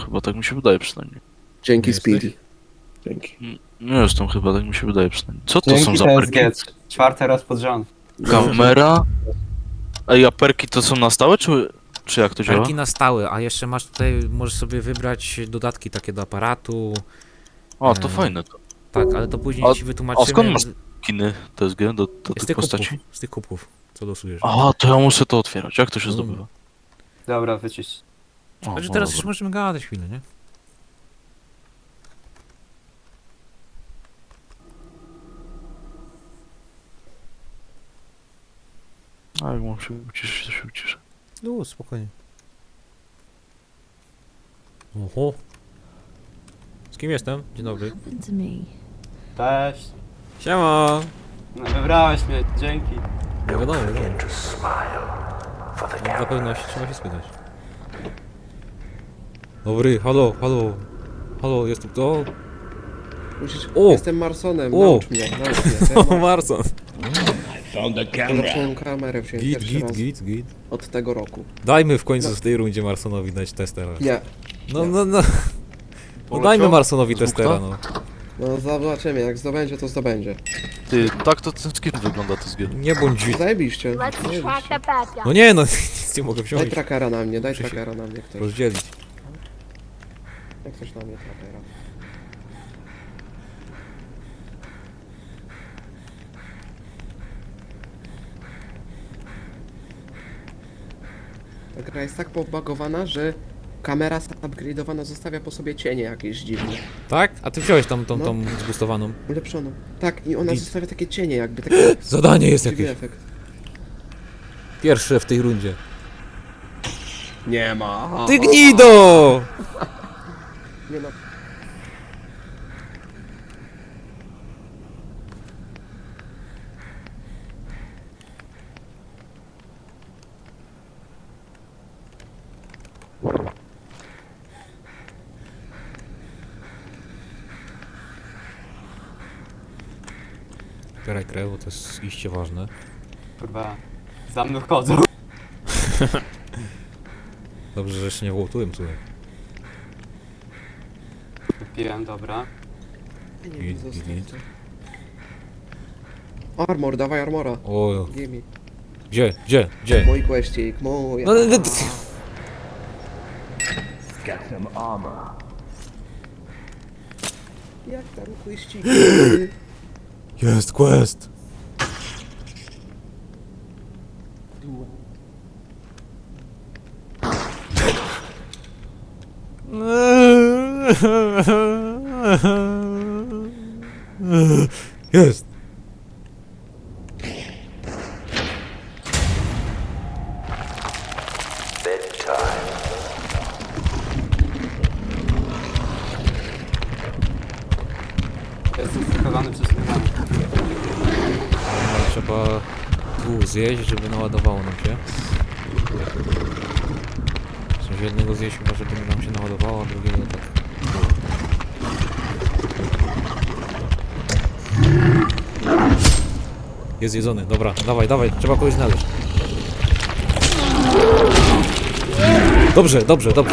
chyba, tak mi się wydaje przynajmniej. Dzięki Nie Speedy. Dzięki. Nie jestem chyba, tak mi się wydaje przynajmniej. Co to są Dzięki za TSG, perki? czwarty raz pod rząd. Kamera? Ej, a perki to są na stałe, czy jak to działa? Perki na stałe, a jeszcze masz tutaj, możesz sobie wybrać dodatki takie do aparatu. O, to fajne to. Tak, ale to później ci wytłumaczymy. A skąd masz kiny TSG do z tych tych postaci? kubków, z tych kubków, co losujesz. A, to ja muszę to otwierać. Jak to się zdobywa? Dobra, wycisz. O, Znaczy no teraz już dobra. możemy gadać chwilę, nie? A jak mam się uciszyć, to się uciszę. No, spokojnie. Oho. Z kim jestem? Dzień dobry. happened to me? Cześć. Siema! No, wybrałeś mnie, dzięki. No wiadomo, wiadomo. Dla pewności trzeba się spytać. Dobry, halo, halo. Halo, jest tu kto? Musisz... O! Jestem Marsonem, O! naucz mnie, naucz mnie. To O, ja Marson. zacząłem kamerę wziąć Git, pierwszy git, raz git, git. od tego roku. Dajmy w końcu w tej rundzie Marsonowi dać testera. Nie, No, no, no. No Poleciał? dajmy Marsonowi Z testera, bukta? no. no zobaczymy, jak zdobędzie, to zdobędzie. Ty, tak to ten skin wygląda TSG. Nie bądź dzi... Zajebiście. Let's track zajebiście. the bad guy. No nie, no nic nie mogę Daj wziąć. trackera na mnie, daj Muszę się trackera na mnie ktoś. Rozdzielić. Jak ktoś na mnie trackera. Ta gra jest tak pobagowana, że kamera upgrade'owana zostawia po sobie cienie jakieś dziwne. Tak? A ty wziąłeś tą No. zbustowaną. Ulepszoną. Tak, i ona Git. zostawia takie cienie jakby, taki Zadanie jest dziwny jakieś. efekt. Pierwsze w tej rundzie. Nie ma. Ty gnido! Nie no. Zbieraj krew, bo to jest iście ważne. Kurwa, za mną chodzą. Dobrze, że jeszcze nie wołtułem tutaj. Wypiłem, dobra. Nie Git, wiem, git, zostaw git. to. Armor, dawaj armora. O, Gimme. gdzie? Mój questik, mój. No, no, no, Jak tam questik? Jest quest! Jest! Jestem skakowany przez chwilę. Trzeba tu zjeść, żeby naładowało nam się. W sensie jednego zjeść chyba, żeby nam się naładowało, a drugiego tak. Jest jedzony, dobra, dawaj, dawaj, trzeba kogoś znaleźć. Dobrze, dobrze, dobrze.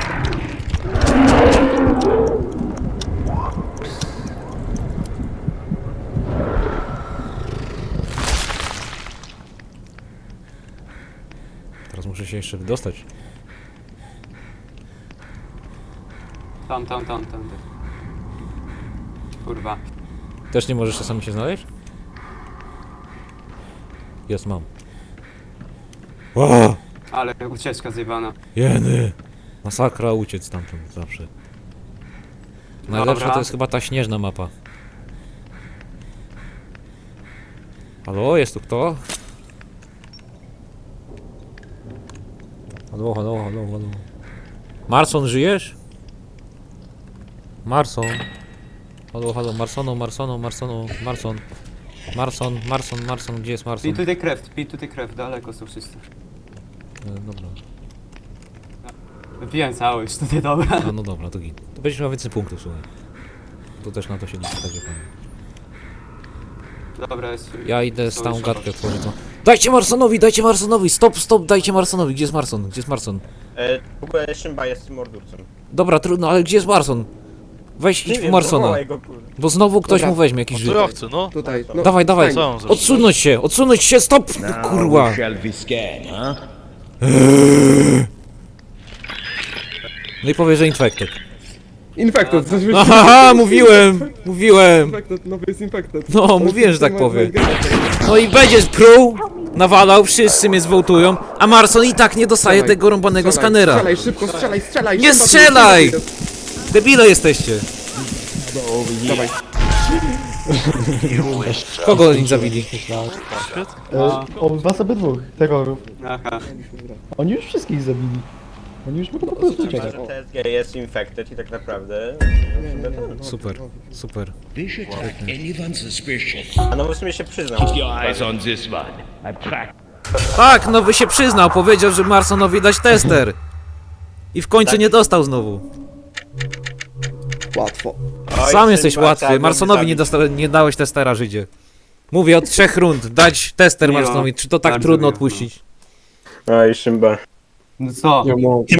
Teraz muszę się jeszcze wydostać. Tam. Kurwa. Też nie możesz czasami się znaleźć? Jest, mam. Ła! Ale ucieczka zjebana. Jeny! Masakra uciec stamtąd zawsze. Najlepsza Dobra. to jest chyba ta śnieżna mapa. Halo, jest tu kto? Halo, halo, halo, halo. Marson, żyjesz? Marson. Halo, halo, Marson. Marson, gdzie jest Marson? Pij tutaj krew, daleko są wszyscy. Dobra. Wypiłem cały już tutaj, dobra. A no dobra, to git. To będziesz miał więcej punktów, słuchaj. To też na to się liczy, tak jak powiem. Dobra, jest... Ja idę są z tą już- gadkę otworzyć. No. Dajcie Marsonowi, stop, dajcie Marsonowi, gdzie jest Marson? W ogóle Szymba jest mordurcą. Dobra, trudno, ale gdzie jest Marson? Weź, idź po wiem, Marsona, zawołaj go, kurde. bo znowu ktoś Dobra. mu weźmie jakiś Co żyt. ja chcę, no? Tutaj, no. Dawaj, stań. Co on zrobił? odsunąć się, stop, no, kurwa. We shall be scared, huh? No i powie, że infected. Infected, coś Aha, mówiłem. Infected, nowy jest infected. No, mówiłem, że tak powie. No i będzie pruł, nawalał, wszyscy mnie zwołtują, a Marson i tak nie dostaje Strzelaj, tego rąbanego strzelaj, skanera. Strzelaj, szybko, strzelaj! Nie szybko, strzelaj! szybko. Debile jesteście. Dawaj. Kogo oni zabili? Was obydwóch terrorów. Aha. Oni już wszystkich zabili. Oni już mogą po prostu Chyba, uciekać. że TSG jest infected i tak naprawdę... Super. We should take anyone suspicious. A no w sumie się przyznał. Keep your eyes on this one. I cracked. Tak, nowy się przyznał, powiedział, że Marsonowi dać tester. I w końcu nie dostał znowu. Łatwo. Oj, Sam jesteś Szymba, łatwy, trzeba go Marsonowi zabić. nie dałeś testera, Żydzie. Mówię od 3 rund, dać tester Miło. Marsonowi, czy to tak Bardzo trudno miło. odpuścić? Oj, Szymba. No co?